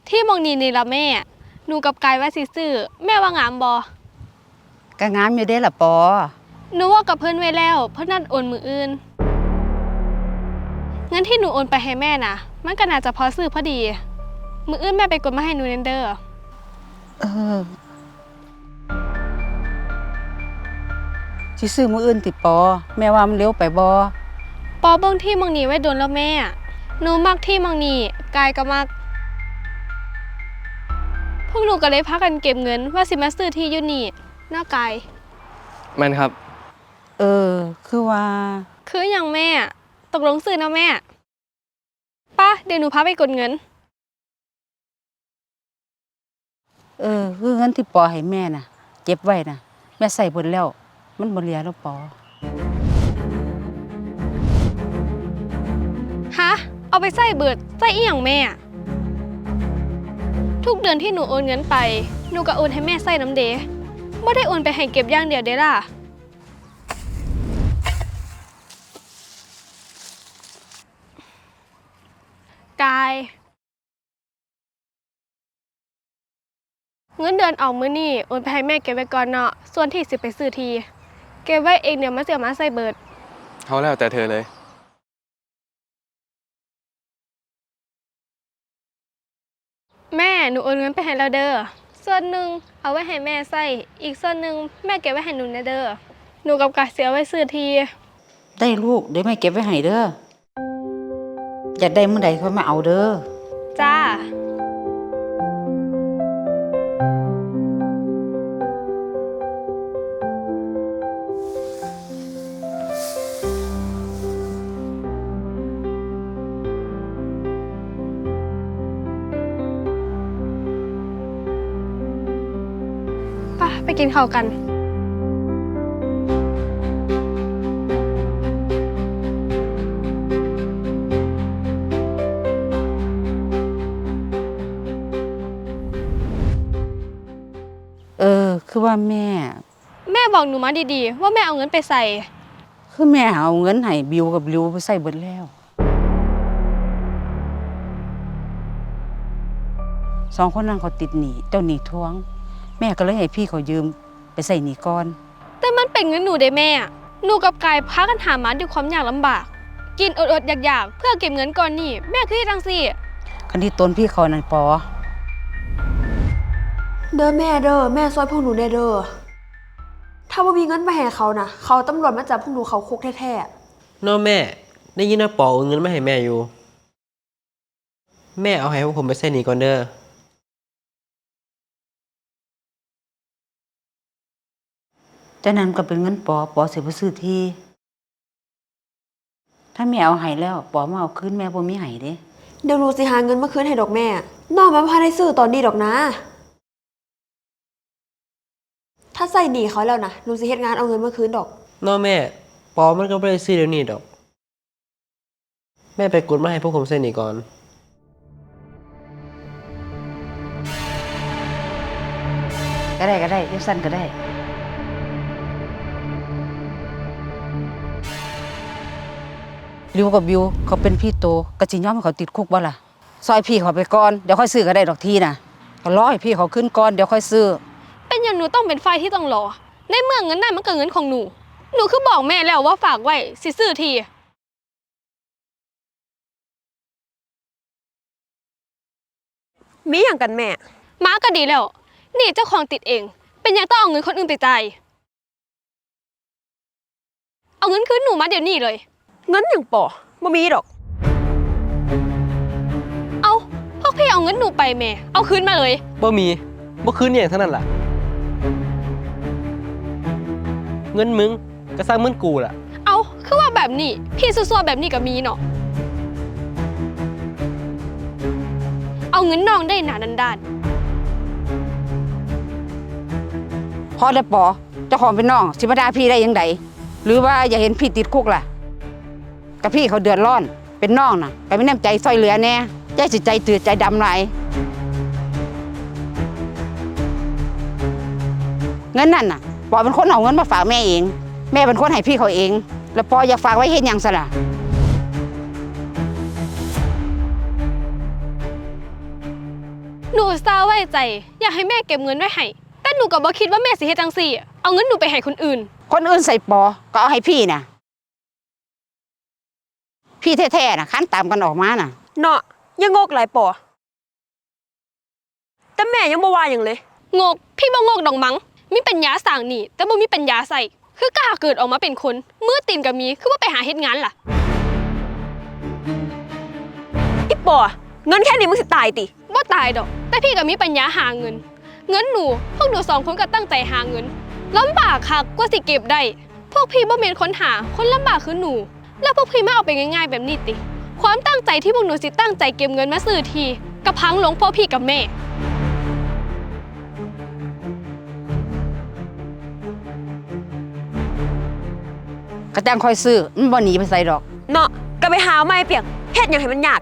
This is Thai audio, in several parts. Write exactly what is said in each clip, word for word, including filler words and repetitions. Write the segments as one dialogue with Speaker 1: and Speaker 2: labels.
Speaker 1: ที่มองนีนี่ละแม่หนูกับกายว่าสิซื้อแม่ว่างามบ่
Speaker 2: ก็งามอยู่เด้ล่ะปอ
Speaker 1: หนูว่ากับเพิ่นไว้แล้วเพิ่นนัดโอนมืออื่นงั้นที่หนูโอนไปให้แม่น่ะมันก็น่าจะพอซื้อพอดีมืออื่นแม่ไปกดมาให้หนูเนเด้อ
Speaker 2: เออสิซื้อมื้ออื่นติปอแม่ว่ามันเร็วไปบ่
Speaker 1: ปอเบิ่งที่มองนีไว้โดนแล้วแม่หนูมักที่มองนีกายก็มักพวกหนูก็เลยพากันเก็บเงินว่าสิมาซื้อที่อยู่นี่หน้ากาย
Speaker 3: แม่นครับ
Speaker 2: เออคือว่า
Speaker 1: คืออย่างแม่ตกลงซื้อนะแม่ป้าเดี๋ยวหนูพาไปกดเงิน
Speaker 2: เออคือเงินที่ปอให้แม่น่ะเก็บไว้น่ะแม่ใส่เบิดแล้วมันบ่เหลือแล้วปอ
Speaker 1: ฮะเอาไปใส่เบิดใส่อีหยังแม่ทุกเดือนที่หนูโอนเงินไปหนูก็โอนให้แม่ใส่น้ำเดไม่ได้โอนไปให้เก็บอย่างเดียวเด้ล่ะกายเงินเดือนออกมื้อนี้โอนไปให้แม่เก็บไว้ก่อนเนาะส่วนที่สิไปซื้อทีเก็บไว้เองเดี๋ยวมาเสียมาใส่เบิด
Speaker 3: เขาแล้วแต่เธอเลย
Speaker 1: แม่หนูโอนเงินไปให้แล้วเด้อส่วนหนึ่งเอาไว้ให้แม่ใส่อีกส่วนหนึ่งแม่เก็บไว้ให้หนูนะเด้อหนูกับกายเสียไว้ซื้อที
Speaker 2: ได้ลูกเดี๋ยวแม่เก็บไว้ให้เด้ออยากได้มื้อใดค่อยมาเอาเด้อ
Speaker 1: จ้าไปกินข้าวกัน
Speaker 2: เออคือว่าแม่
Speaker 1: แม่บอกหนูมาดีๆว่าแม่เอาเงินไปใส่
Speaker 2: คือแม่เอาเงินให้บิวกับริวไปใส่เบิดแล้วสองคนนั้นเขาติดหนี้เจ้าหนี้ทวงแม่ก็เลยให้พี่เขายืมไปใส่หนี้ก่อน
Speaker 1: แต่มันเป็นเงินหนูได้แม่หนูกับกายพากันหามาด้วยความยากลำบากกินอดๆอยากๆเพื่อเก็บเงินก่อนนี่แม่คือจังซี่
Speaker 2: คันที่ตนพี่เขานั่นปอ
Speaker 4: เด้อแม่เด้อแม่ซอยพวกหนูได้เด้อถ้าว่ามีเงินไปให้เขานะเขาตำรวจมาจับพวกหนูเขาคุกแท้
Speaker 5: ๆน้อแม่ได้ยินว่าปอเอาเงินมาให้แม่อยู่แม่เอาให้พวกผมไปใส่หนี้ก่อนเด้อ
Speaker 2: แต่นั้นก็เป็นเงินปอปอสิไปซื้อที่ถ้าแม่เอาให้แล้วปอมาเอาคืนแม่บ่มีให้เด้
Speaker 4: เดี๋ยวหนูสิหาเงินมาคืนให้ดอกแม่น้องมาพาได้ซื้อตอนนี้ดอกนะถ้าใส่หนี้เขาแล้วนะหนูสิเฮ็ดงานเอาเงินมาคืนดอก
Speaker 5: น้อแม่ปอมันก็บ่ได้ซื้อเดี๋ยวนี้ดอกแม่ไปกดมาให้พวกผมใส่หนี้ก่อน
Speaker 2: ก็ได้ก็ได้เดี๋ยวสั้นก็ได้ริวกับบิวเขาเป็นพี่โตกะสิยอมให้เขาติดคุกบ่ล่ะซอยพี่เขาไปก่อนเดี๋ยวค่อยซื้อก็ได้ดอกทีน่ะก็รอให้พี่เขาขึ้นก่อนเดี๋ยวค่อยซื้อ
Speaker 1: เป็นอย่างหนูต้องเป็นฝ่ายที่ต้องรอในเมื่อเงินนั้นมันก็เงินของหนูหนูคือบอกแม่แล้วว่าฝากไว้สิซื้อที
Speaker 4: มีอย่างกันแม่
Speaker 1: มาก็ดีแล้วนี่เจ้าของติดเองเป็นยังต้องเอาเงินคนอื่นไปจ่ายเอาเงินคืนหนูมาเดี๋ยวนี้เลย
Speaker 4: เงินอย่างปอบ่มีดอก
Speaker 1: เอาพวกพี่เอาเงินหนูไปแม่เอาคืนมาเลย
Speaker 5: บ่มีบ่คืนอย่างเท่านั้นล่ะเงินมึงก็สร้างเงินกูล่ะ
Speaker 1: เอาคือว่าแบบนี้พี่ซัวๆแบบนี้ก็มีเนาะเอาเงินน้องได้หนาด้าน
Speaker 2: พอได้ปอเจ้าของเป็นน้องสิมาด่าพี่ได้ยังไงหรือว่าอย่าเห็นพี่ติดคุกล่ะกับพี่เขาเดือดร้อนเป็นน้องน่ะก็ไม่แน่ใจซอยเหลือแน่ใจสิใจตื่นใจดำหน่อยเงินนั่นน่ะปอเป็นคนเอาเงินมาฝากแม่เองแม่เป็นคนให้พี่เขาเองแล้วปออยากฝากไว้เห็นอย่างสละ
Speaker 1: พหนูอุตส่าห์ไว้ใจ อยากให้แม่เก็บเงินไว้ให้แต่หนูก็บ่คิดว่าแม่สิเฮ็ดจังซี่อะเอาเงินหนูไปให้คนอื่น
Speaker 2: คนอื่นใส่ปอก็เอาให้พี่น่ะ พี่แท้ๆน่ะคันตามกันออกมาน่ะ
Speaker 4: เนาะยังงกหลายปอแต่แม่ยังบ่ว่าหยังเลย
Speaker 1: งกพี่บ่งกดอกมั้งมีปัญญาสร้างหนี้แต่บ่มีปัญญาใส่คือกล้าเกิดออกมาเป็นคนมือตีนก็มีคือว่าไปหาเฮ็ดงานล่ะ
Speaker 4: อีปอเงินแค่นี้มึงสิตายติ
Speaker 1: บ่ตายดอก แต่พี่ก็มีปัญญาหาเงิน เงินหนูพวกหนูสองคนก็ตั้งใจหาเงินลำบากคักกว่าสิเก็บได้ พวกพี่บ่แม่นคนหาคนลำบากคือหนู แล้วพวกพี่ไม่เอาไปง่ายๆแบบนี้ติ ความตั้งใจที่พวกหนูสิตั้งใจเก็บเงินมาซื้อทีกระพังลงเพราะพี่กับแม่
Speaker 2: ก็จังคอยซื้อมันบ่หนีไปใส่ดอก
Speaker 4: เนาะก็ไปหาไม้เปียกเฮ็ดหยังให้มันยาก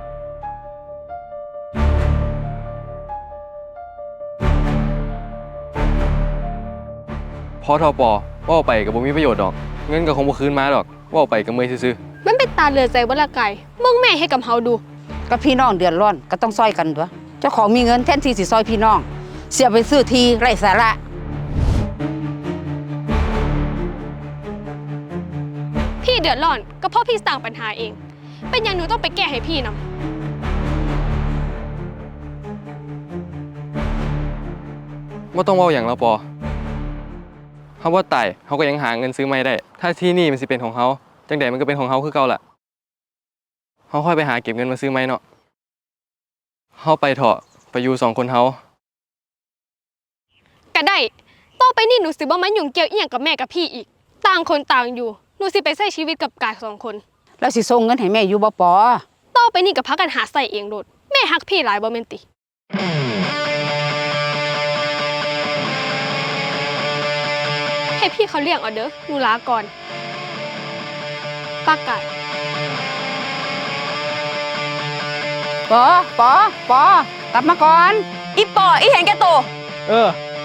Speaker 3: พอทอปอว่าไปกับบ่มีประโยชน์ดอก เงินก็คงบ่คืนมาดอกว่าไปกับเมยซื่อ
Speaker 1: มันเป็นตาเหลือใจบ่ละไก่มึงแม่ให้กับเฮาดู
Speaker 2: ก็พี่น้องเดือดร้อนก็ต้องซอยกันตัวเจ้าของมีเงินแทนที่สิซอยพี่น้อง เสียไปซื้อทีไร้สาระ
Speaker 1: พี่เดือดร้อนก็เพราะพี่สร้างปัญหาเอง เป็นอย่างหนูต้องไปแก้ให้พี่นำ
Speaker 3: ๆบ่ต้องเว้าหยังแล้วปอเฮาบ่ตายเฮาก็ยังหาเงินซื้อใหม่ได้ ถ้าที่นี่มันสิเป็นของเฮาจังใดมันก็เป็นของเฮาคือเก่าล่ะเฮาค่อยไปหาเก็บเงินมาซื้อใหม่เนาะเฮาไปเถาะไปอยู่สองคนเฮา
Speaker 1: ก็ได้ ต่อไปนี่หนูสิบ่มายุ่งเกี่ยวอีหยังกับแม่กับพี่อีก ต่างคนต่างอยู่ หนูสิไปใช้ชีวิตกับกายสองคน
Speaker 2: แล้วสิส่งเงินให้แม่อยู่บ่ปอ
Speaker 1: ต่อไปนี่ก็พักกันหาใส่เองโดด แม่ฮักพี่หลายบ่แม่นติ ให้พี่เขาเลี้ยงเอาเด้อ หนูลาก่อนปากกาด
Speaker 2: ปอปอปอกลับมาก่อน
Speaker 4: อีปออีเห็นแก่โตว
Speaker 5: เออ